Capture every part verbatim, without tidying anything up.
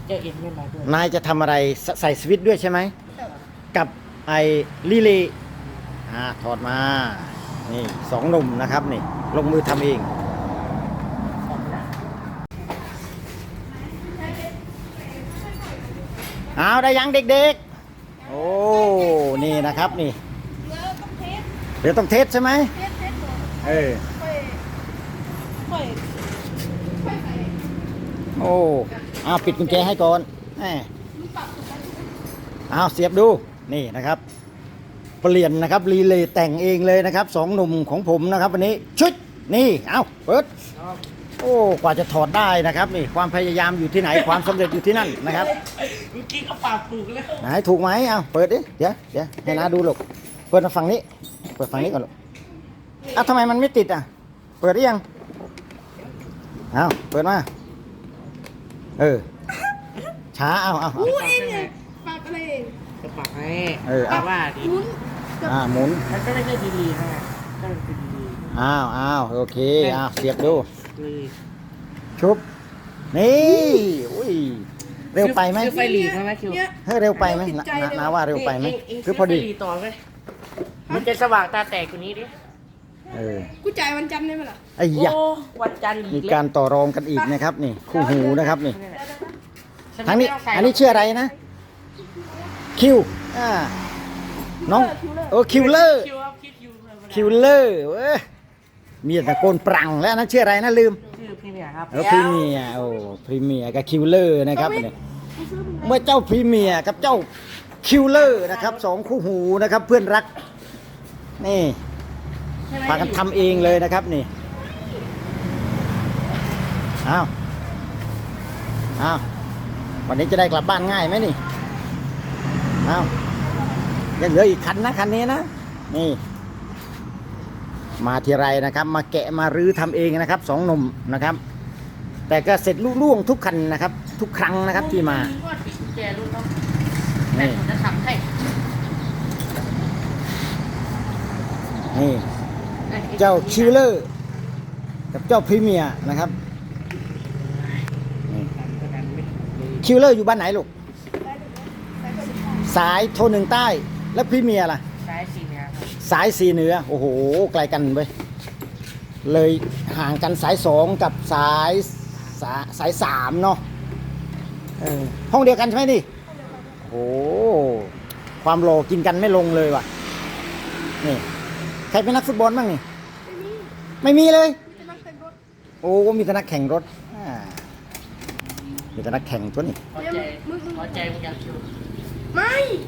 เจ้าเอ็นไม่มาด้วยนายจะทำอะไรใส่สวิตช์ด้วยใช่ไหมกับไอ้ลีลีอ่าถอดมานี่สองหนุ่มนะครับนี่ลงมือทำเองเอาได้ยังเด็กๆโอ้นี่นะครับนี่เดี๋ยวต้องเทสใช่ไหมเออโอ้เอาปิดกุญแจให้ก่อนแหมเอาเสียบดูนี่นะครับเปลี่ยนนะครับรีเลย์แต่งเองเลยนะครับสองหนุ่มของผมนะครับวันนี้ชุดนี่เอาเปิดโอ้กว่าจะถอดได้นะครับนี่ความพยายามอยู่ที่ไหนความสำเร็จอยู่ที่นั่นนะครับเมื่อกี้เขาปากถูกแล้วไหนถูกไหมเอาเปิดดิเดี๋ยวเดี๋ยวให้น้าดูลูกเปิดมาฝั่งนี้เปิดฝั่งนี้ก่อนลูกอ้าวทำไมมันไม่ติดอ่ะเปิดได้ยังเอาเปิดมาเออช้าเอาเอาเอาเองเนี่ยปากอะไรเองจะปากให้เออแต่ว่าดิหมุนอ่าหมุนมันก็ไม่ใช่ดีๆนะก็เป็นดีอ้าวอ้าวโอเคอ้าวเสียบดูๆเลยชุบนี่อุ้ยเร็วไปไหมซื้อไฟหลีใช่ไหมคิวเนี่ยเฮ้ยเร็วไปไหมนะนะนาว่าเร็วไปไหมคือพอดีซื้ไฟหลีต่อไหมมันจะสว่างตาแตกกว่านี้ดิเออกูจ่ายวันจันทร์ได้ไหมล่ะไอ้ยะโอ้วันจันทร์อีมีกแล้วการต่อรองกันอีกนะครับนี่คู่หูนะครับนี่ฉัทางนี้ไม่ต้ใส่อันนี้ชื่ออะไรนะคิวอ่าน้องโอ้คิวเลอร์คิวครับคิดคิวธรรมดาคิวเลอร์เว้ยมีแต่ตะโกนปรังแล้วนะชื่ออะไรนะลืมชื่อพี่เนี่ยครับเออพรีเมียร์โอ้พรีเมียร์กับคิวเลอร์นะครับเนี่ยเมื่อเจ้าพรีเมียร์กับเจ้าคิวเลอร์นะครับสองคู่หูนะครับเพื่อนรักนี่พากันทำเองเลยนะครับนี่อ้าวอ้าววันนี้จะได้กลับบ้านง่ายไหมนี่อ้าวยังเหลืออีกคันนะคันนี้นะนี่มาทีไรนะครับมาแกะมารื้อทำเองนะครับสองหนุ่มนะครับแต่ก็เสร็จลุล่วงทุกคันนะครับทุกครั้งนะครับที่มาก็ปิดกุญแจรู้ต้องแต่ผมจะทำให้นี่เจ้าคิวเลอร์กับเจ้าพรีเมียร์นะครับคิวเลอร์อยู่บ้านไหนลูกสายโทนหนึ่งใต้แล้วพรีเมียร์ล่ะสายสีเนี่ยครับสายสีเหนือโอ้โหไกลกันไปเลยห่างกันสายสองกับสายสาสายสามเนาะเออห้องเดียวกันใช่ไหมนี่โอ้โหความโลกินกันไม่ลงเลยว่ะนี่ใครเป็นนักฟุตบอลบ้างนี่ไม่มีเลยโอ้มีแต่นักแข่งรถอ่ามีแต่นักแข่งตัวนี้พอใจพอใจมึงอยากคิวไม่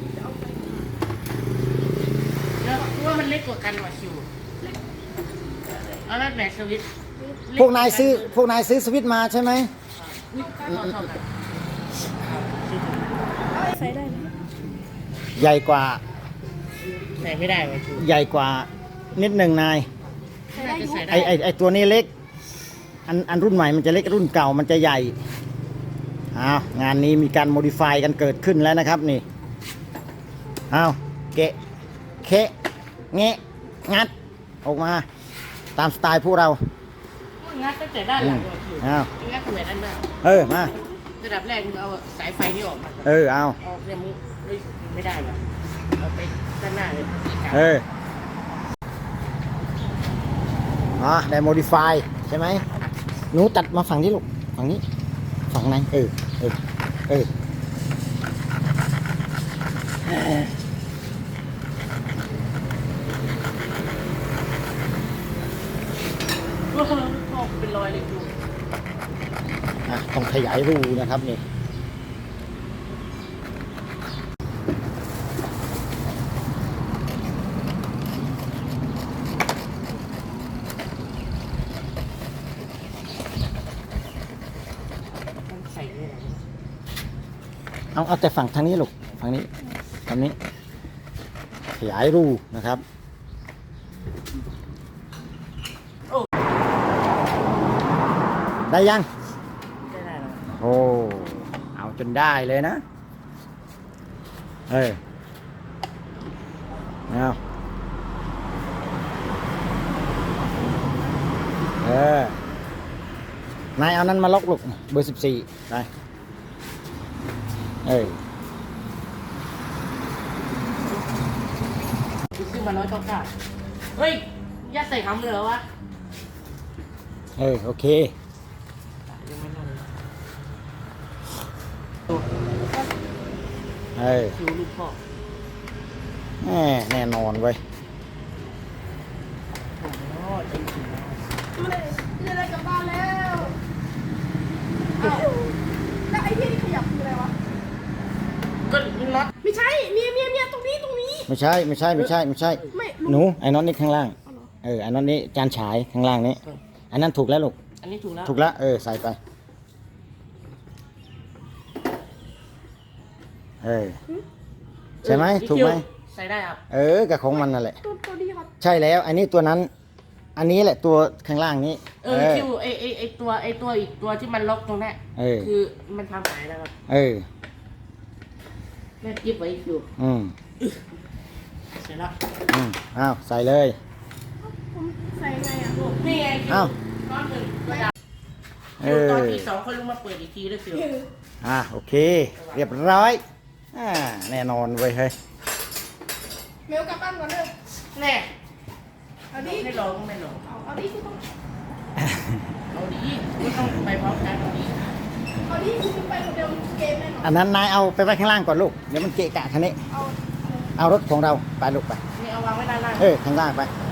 เนอะว่ามันเล็กกว่ากันว่ะคิวเอาแล้วไหนสวิตช์พวกนายซื้อพวกนายซื้อสวิตช์มาใช่ไหมนี่เท่าเท่ากันใส่ได้ไหมใหญ่กว่าใส่ไม่ได้ว่ะคิวใหญ่กว่านิดหนึ่งนายน่าจะใส่ได้ไอไอไอตัวนี้เล็กอันอันรุ่นใหม่มันจะเล็กรุ่นเก่ามันจะใหญ่อ้าวงานนี้มีการโมดิฟายกันเกิดขึ้นแล้วนะครับนี่อ้าวเกะเคะเงะงัดออกมาตามสไตล์พวกเรางัดตั้งแต่ด้านหลังว่ะคิวอ้าวงัดตั้งแต่ด้านหน้าเออมาระดับแรกมึงเอาสายไฟนี่ออกมาเออเอาเอาเนี่ยมึงไม่ได้ว่ะเอาไปด้านหน้าเลยเอออ๋อได้โมดิฟายใช่ไหมหนูตัดมาฝั่งนี้ลูกฝั่งนี้ฝั่งไหนเออเออเออว้าวออกเป็นรอยเลยคิวอ่ะต้องขยายรูนะครับนี่ใส่เนี่ยเอาเอาแต่ฝั่งทางนี้ลูกฝั่งนี้ทางนี้ขยายรูนะครับได้ยังได้ได้แล้วโอ้เอาจนได้เลยนะเออเอาเออนายเอานั้นมาล็อกลูกเบอร์สิบสี่ไปเออซื้อมาร้อยเก้าเก้าเฮ้ยยัดใส่คำเลยเหรอวะเออ โอเคยังไม่นอนเลยเออคิวลูกพ่อแน่แน่นอนเว้ยโอ้โหจริงจริงไม่ได้ไม่ได้กลับบ้านแล้วอ้าวแล้วไอ้ที่นี่ขยับคืออะไรวะก็น็อตไม่ใช่เนี่ยเนี่ยเนี่ยตรงนี้ตรงนี้ไม่ใช่ ไม่ใช่ ไม่ใช่ ไม่ใช่ไม่หนู ไอ้น็อตนี่ข้างล่างเอาเหรอเออ ไอ้น็อตนี่จานฉายข้างล่างนี้ อันนั้นถูกแล้วลูกอันนี้ถูกแล้วถูกแล้ว เออ ใส่ไป เออ ใช่ไหมเออถูกไหมใส่ได้ครับเออกับของมันนั่นแหละตัวตัวนี้ครับใช่แล้ว อันนี้ตัวนั้น อันนี้แหละตัวข้างล่างนี้เออคิวไอไอไอตัวไอตัวอีกตัวที่มันล็อกตรงนั้นเออคือมันทำหายแล้วครับเออแม่กิ๊บไว้คิวอืมเสร็จแล้วอืมอ้าวใส่เลยผมใส่ไงอ่ะนี่ไงคิวอ้าวก้อนหนึ่งตัวดเอำอตอนที่สองเขาลงมาเปิดอีกทีด้วยคิวอ่ะโอเค เรียบร้อย อ่า แน่นอนเว้ยเฮ้ยเมลกลับบ้านก่อนเด้อแน่เอาดิไม่ลองไม่ลองเอาเอาดิคุณต้องเอาดีไม่ต้องไปพร้อมกันเอาดีเอาดิคุณไปคนเดียวเกมแน่นอนอันนั้นนายเอาไปไว้ข้างล่างก่อนลูก เดี๋ยวมันเกะกะคันนี้เอาเอารถของเราไปลูกไปนี่เอาวางไว้ด้านล่างเออ ข้างล่างไปเ